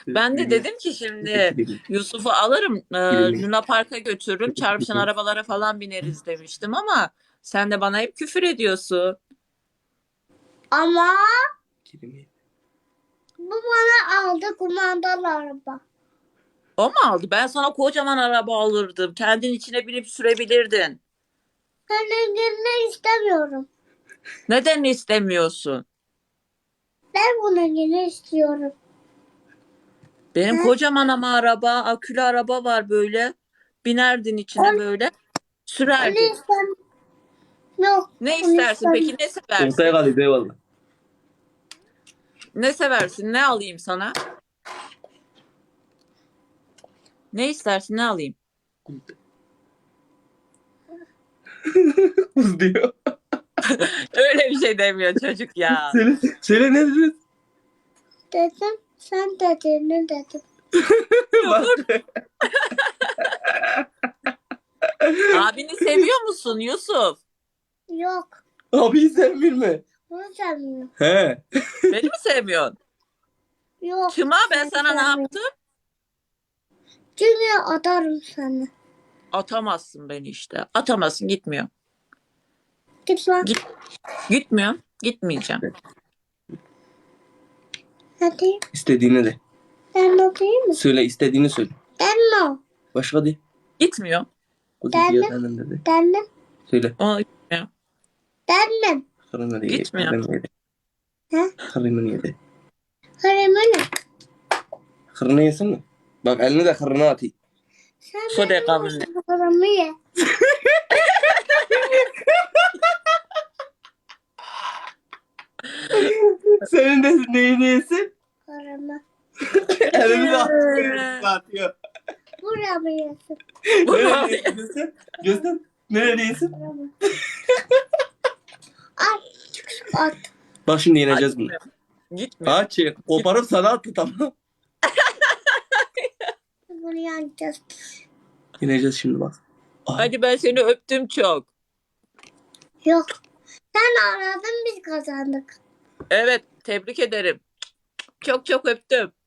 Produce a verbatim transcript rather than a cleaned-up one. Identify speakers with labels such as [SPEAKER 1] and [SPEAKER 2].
[SPEAKER 1] Ben de dedim ki şimdi Yusuf'u alırım, e, Luna Park'a götürürüm, çarpışan arabalara falan bineriz demiştim ama sen de bana hep küfür ediyorsun.
[SPEAKER 2] Ama bu bana aldı kumandalı araba.
[SPEAKER 1] O mu aldı? Ben sana kocaman araba alırdım. Kendin içine binip sürebilirdin.
[SPEAKER 2] Ben ilgili istemiyorum.
[SPEAKER 1] Neden istemiyorsun?
[SPEAKER 2] Ben bunu yine istiyorum.
[SPEAKER 1] Benim
[SPEAKER 2] He?
[SPEAKER 1] kocaman ama araba, akülü araba var böyle. Binerdin içine
[SPEAKER 2] Onu,
[SPEAKER 1] böyle,
[SPEAKER 2] onu
[SPEAKER 1] sürerdin.
[SPEAKER 2] istem. Yok.
[SPEAKER 1] Ne
[SPEAKER 2] Onu
[SPEAKER 1] istersin peki?
[SPEAKER 2] istem.
[SPEAKER 1] Ne
[SPEAKER 3] Ortaya
[SPEAKER 1] seversin?
[SPEAKER 3] kalıyor eyvallah.
[SPEAKER 1] Ne seversin? Ne alayım sana? Ne istersin? Ne alayım?
[SPEAKER 3] Kuz diyor.
[SPEAKER 1] Öyle bir şey demiyor çocuk ya.
[SPEAKER 3] Söyle, söyle ne dedin?
[SPEAKER 2] Dedim. Sen dediğini dedim.
[SPEAKER 3] Bak.
[SPEAKER 1] Abini seviyor musun Yusuf?
[SPEAKER 2] Yok.
[SPEAKER 3] Abi sen bilme.
[SPEAKER 2] Bunu sevmiyorum.
[SPEAKER 3] He.
[SPEAKER 1] Beni mi sevmiyorsun?
[SPEAKER 2] Yok.
[SPEAKER 1] Çıma ben
[SPEAKER 2] seni
[SPEAKER 1] sana ne
[SPEAKER 2] sevmiyorum.
[SPEAKER 1] yaptım?
[SPEAKER 2] Çünkü atarım seni.
[SPEAKER 1] Atamazsın beni işte. Atamazsın, gitmiyor.
[SPEAKER 2] Git lan.
[SPEAKER 1] Git. Gitmiyor. Gitmeyeceğim.
[SPEAKER 2] Hadi.
[SPEAKER 3] İstediğini de.
[SPEAKER 2] Ben de değil mi?
[SPEAKER 3] Söyle istediğini söyle.
[SPEAKER 2] Ben de.
[SPEAKER 3] Başka de.
[SPEAKER 1] Gitmiyor.
[SPEAKER 3] Kuz
[SPEAKER 2] Ben
[SPEAKER 3] diyor
[SPEAKER 2] de.
[SPEAKER 3] senden dedi.
[SPEAKER 2] Ben de.
[SPEAKER 3] Söyle.
[SPEAKER 1] O gitmiyor.
[SPEAKER 2] Ben de.
[SPEAKER 3] Karını da yedi.
[SPEAKER 1] Gitmiyor.
[SPEAKER 3] Karını yedi.
[SPEAKER 2] He?
[SPEAKER 3] Karını yedi.
[SPEAKER 2] Harem'e ne?
[SPEAKER 3] Karını yesin mi? Bak elini de karına atayım.
[SPEAKER 2] Sen
[SPEAKER 1] Hadi
[SPEAKER 2] benim
[SPEAKER 1] kabul
[SPEAKER 2] harem'i ye.
[SPEAKER 3] Senin de neyini yesin?
[SPEAKER 2] Harem'i.
[SPEAKER 3] Elini de atıyor. atıyor.
[SPEAKER 2] Buramı yesin.
[SPEAKER 3] Nereye yesin? Göster. Nereye yesin?
[SPEAKER 2] Buramı. At. At.
[SPEAKER 3] Bak şimdi yeneceğiz bunu.
[SPEAKER 1] Gitmiyor.
[SPEAKER 3] Aç. Koparıp sana attı tamam.
[SPEAKER 2] Bunu yanacağız.
[SPEAKER 3] Yeneceğiz şimdi bak. Aha.
[SPEAKER 1] Hadi ben seni öptüm çok.
[SPEAKER 2] Yok. Sen aradın biz kazandık.
[SPEAKER 1] Evet, tebrik ederim. Çok çok öptüm.